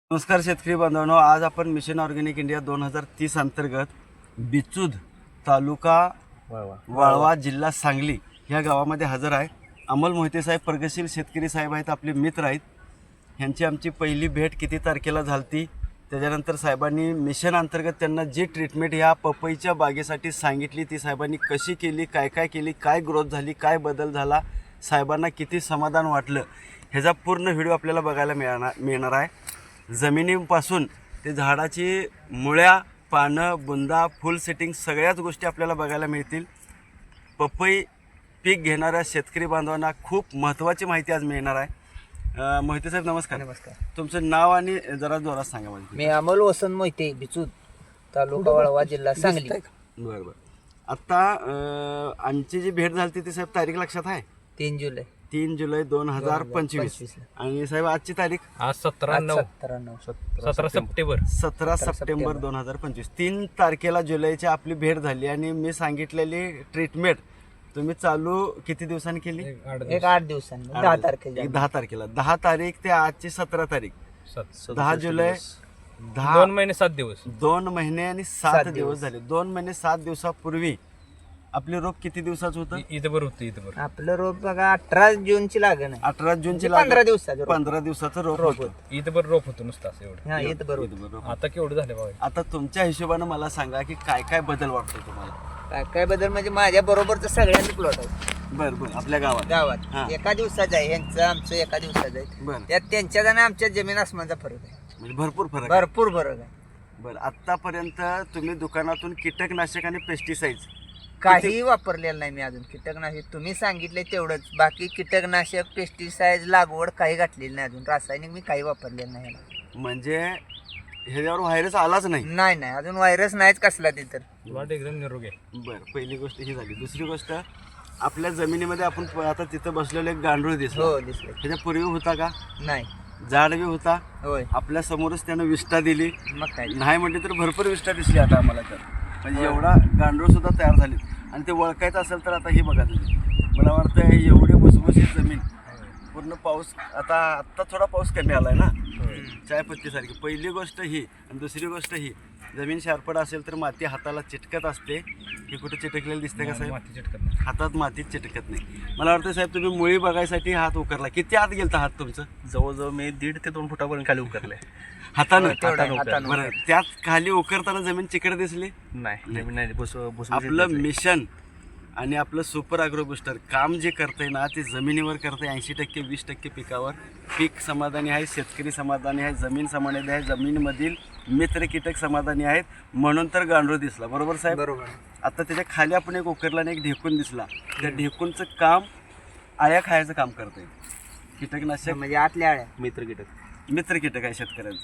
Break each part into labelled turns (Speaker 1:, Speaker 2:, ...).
Speaker 1: नमस्कार शेतकरी बांधवांनो, आज आपण मिशन ऑर्गॅनिक इंडिया 2030 अंतर्गत बिचूद तालुका वाळवा जिल्हा सांगली ह्या गावामध्ये हजर आहे. अमोल मोहिते साहेब प्रगतशील शेतकरी साहेब आहेत, आपले मित्र आहेत. ह्यांची आमची पहिली भेट किती तारखेला झाली, त्याच्यानंतर साहेबांनी मिशन अंतर्गत त्यांना जी ट्रीटमेंट ह्या पपईच्या बागेसाठी सांगितली ती साहेबांनी कशी केली, काय काय केली, काय ग्रोथ झाली, काय बदल झाला, साहेबांना किती समाधान वाटलं, ह्याचा पूर्ण व्हिडिओ आपल्याला बघायला मिळणार आहे. जमिनीपासून ते झाडाची मुळ्या, पानं, बुंदा, फुल सेटिंग सगळ्याच गोष्टी आपल्याला बघायला मिळतील. पपई पीक घेणाऱ्या शेतकरी बांधवांना खूप महत्त्वाची माहिती आज मिळणार आहे. मोहिते साहेब नमस्कार.
Speaker 2: नमस्कार.
Speaker 1: तुमचं नाव आणि जरा जोरात सांगा मला.
Speaker 2: मी अमोल वसंत मोहिते, बिचूद तालुका वाळवा जिल्हा सांगली.
Speaker 1: बरं बरं. आत्ता आमची जी भेट झाली ती साहेब तारीख लक्षात आहे?
Speaker 2: 3 जुलै
Speaker 1: 3 जुलै 2025. आणि साहेब आजची तारीख
Speaker 3: आज 17
Speaker 1: सप्टेंबर 2025. 3 तारखेला जुलैची आपली भेट झाली आणि मी सांगितलेली ट्रीटमेंट तुम्ही चालू किती दिवसांनी केली?
Speaker 2: एक 8 दिवसांनी 10 तारखेला.
Speaker 1: 10 तारखेला 10 तारीख ते आजची 17 तारीख 10 जुलै
Speaker 3: 2 महिने 7 दिवस
Speaker 1: 2 महिने आणि 7 दिवस झाले. 2 महिने 7 दिवसापूर्वी आपले रोप किती दिवसाचं होतं?
Speaker 3: इथं बरं होतं. इथं बरं
Speaker 2: आपलं रोप बघा 18 जूनची लागण आहे.
Speaker 1: 18 जूनची
Speaker 2: 15 दिवसाचं रोप.
Speaker 1: 15 दिवसाचं रोप होतं.
Speaker 3: इथं बरं रोप होतं नुसतं असं एवढं.
Speaker 2: हा येत बरोबर.
Speaker 3: आता केवढं झालं बघा.
Speaker 1: आता तुमच्या हिशोबानं मला सांगा की काय काय बदल वाटतो तुम्हाला?
Speaker 2: काय काय बदल म्हणजे माझ्या बरोबरच सगळ्यांनी प्लॉट आहे
Speaker 1: बरं बरं. आपल्या गावात हा.
Speaker 2: गावात एका दिवसाचं आहे, यांचं आमचं एका दिवसाचं आहे.
Speaker 1: बरं
Speaker 2: त्यात त्यांच्यात आणि आमच्या जमीन आसमानचा फरक आहे,
Speaker 1: म्हणजे भरपूर फरक आहे.
Speaker 2: भरपूर फरक आहे.
Speaker 1: बरं, आतापर्यंत तुम्ही दुकानातून कीटकनाशक आणि पेस्टिसाइड्स
Speaker 2: काही वापरलेलं नाही मी अजून. कीटकनाशक तुम्ही सांगितले तेवढंच, बाकी कीटकनाशक पेस्टिसाइड लागवड काही घातलेली नाही अजून. रासायनिक मी काही वापरलेलं नाही.
Speaker 1: म्हणजे ह्याच्यावर व्हायरस आलाच नाही?
Speaker 2: नाही नाही अजून व्हायरस नाहीच कसला ते. तर
Speaker 3: प्लॉट एकदम निरोगी आहे.
Speaker 1: बरं, पहिली गोष्ट ही झाली. दुसरी गोष्ट, आपल्या जमिनीमध्ये आपण आता तिथं बसलेलं एक गांडूळ दिसलो.
Speaker 2: हो दिसलं.
Speaker 1: ह्याच्यापूर्वी होता का?
Speaker 2: नाही.
Speaker 1: झाड बी होता
Speaker 2: होय.
Speaker 1: आपल्या समोरच त्यानं विष्ठा दिली.
Speaker 2: मग काय.
Speaker 1: नाही म्हटली तर भरपूर विष्ठा दिसली आता आम्हाला. तर म्हणजे एवढा गांडूळ सुद्धा तयार झाली. आणि ते ओळखायचं असेल तर आता ही बघा तुम्ही, मला वाटतं एवढी भुसभुशीत जमीन, पूर्ण पाऊस आत्ता थोडा पाऊस कमी आलाय ना चायपत्तीसारखी. पहिली गोष्ट ही. आणि दुसरी गोष्ट ही, जमीन शारपड असेल तर माती हाताला चिटकत असते. हे कुठे चिटकलेलं दिसते का साहेब?
Speaker 3: माती चिटकत नाही.
Speaker 1: हातात मातीत चिटकत नाही. मला वाटतं साहेब तुम्ही मुळी बघायसाठी हात उकरला. किती आत गेलता हात तुमचं?
Speaker 3: जवळजवळ मी 1.5 ते 2 फुटापर्यंत खाली उतरले
Speaker 1: हातानं?
Speaker 2: हातानं.
Speaker 1: बरं, त्यात खाली उकरताना जमीन चिकट दिसली
Speaker 3: नाही.
Speaker 1: आपलं मिशन आणि आपलं सुपर ॲग्रो बुस्टर काम जे करतंय ना ते जमिनीवर करतंय. 80% 20% पिकावर. पीक समाधानी आहे, शेतकरी समाधानी आहे, जमीन समाधानी आहे, जमीनमधील मित्र कीटक समाधानी आहेत, म्हणून तर गांडूळ दिसला. बरोबर साहेब?
Speaker 2: बरोबर.
Speaker 1: आता त्याच्या खाली आपण एक उकरला आणि एक ढेकून दिसला. त्या ढेकूनचं काम आळ्या खायचं काम करतंय. कीटकनाशक
Speaker 2: म्हणजे आतल्या आळ्या.
Speaker 1: मित्र कीटक आहे शेतकऱ्यांचं.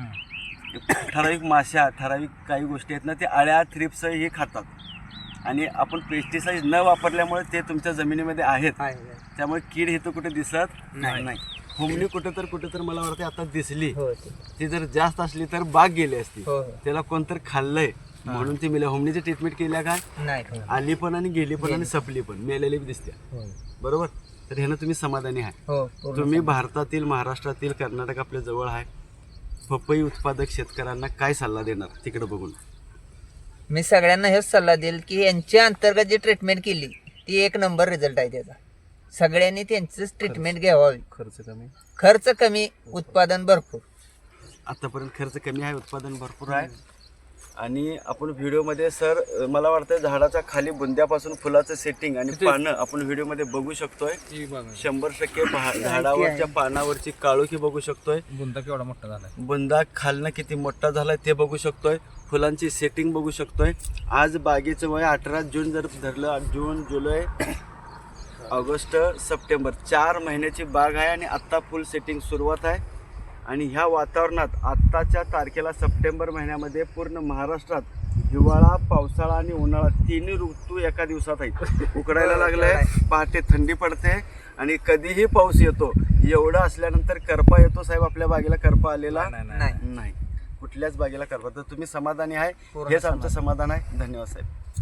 Speaker 1: ठराविक माश्या, ठराविक काही गोष्टी आहेत ना, ते आळ्या, थ्रिप्स हे खातात. आणि आपण पेस्टिसाइड न वापरल्यामुळे ते तुमच्या जमिनीमध्ये आहेत. त्यामुळे कीड हे तर कुठे दिसत नाही. हुमणी कुठे तर मला वाटतं आता दिसली.
Speaker 2: हो.
Speaker 1: ती जर जास्त असली तर बाग गेली असती.
Speaker 2: हो.
Speaker 1: त्याला कोणतर खाल्लंय म्हणून ती मेल्या. हुमणीची ट्रीटमेंट केल्या काय?
Speaker 2: नाही.
Speaker 1: आली पण आणि गेली पण आणि सपली पण, मेलेली बी दिसते. बरोबर. तर ह्यानं तुम्ही समाधानी आहे?
Speaker 2: हो.
Speaker 1: तुम्ही भारतातील, महाराष्ट्रातील, कर्नाटक आपल्या जवळ आहे. पपई उत्पादक शेतकऱ्यांना काय सल्ला देणार तिकडे बघून?
Speaker 2: मी सगळ्यांना हेच सल्ला देईल की यांच्या अंतर्गत जी ट्रीटमेंट केली ती एक नंबर रिझल्ट आहे त्याचा. सगळ्यांनी त्यांचंच ट्रीटमेंट घ्यावी. खर्च कमी, उत्पादन भरपूर.
Speaker 1: आतापर्यंत खर्च कमी आहे, उत्पादन भरपूर आहे. आणि आपण व्हिडिओमध्ये सर मला वाटतं झाडाच्या खाली बुंद्यापासून फुलाचं सेटिंग आणि पानं आपण व्हिडिओमध्ये बघू शकतोय. 100% झाडावरच्या पानावरची काळोखी बघू शकतोय.
Speaker 3: बुंदा केवढा मोठा झालाय,
Speaker 1: बुंदा खालनं किती मोठा झालाय ते बघू शकतोय. फुलांची सेटिंग बघू शकतोय. आज बागेचं वय 18 जून जर धरलं, जून, जुलै, ऑगस्ट, सप्टेंबर 4 महिन्याची बाग आहे. आणि आत्ता फुल सेटिंग सुरुवात आहे. आणि ह्या वातावरणात आत्ताच्या तारखेला सप्टेंबर महिन्यामध्ये पूर्ण महाराष्ट्रात हिवाळा, पावसाळा आणि उन्हाळा तिन्ही ऋतू एका दिवसात आहेत. उकडायला लागलंय, पहाटे थंडी पडते आणि कधीही पाऊस येतो. एवढं असल्यानंतर करपा येतो साहेब. आपल्या बागेला करपा आलेला
Speaker 2: नाही.
Speaker 1: नाही, कुठल्याच बागेला करपा. तर तुम्ही समाधानी आहे, हेच आमचं समाधान आहे. धन्यवाद साहेब.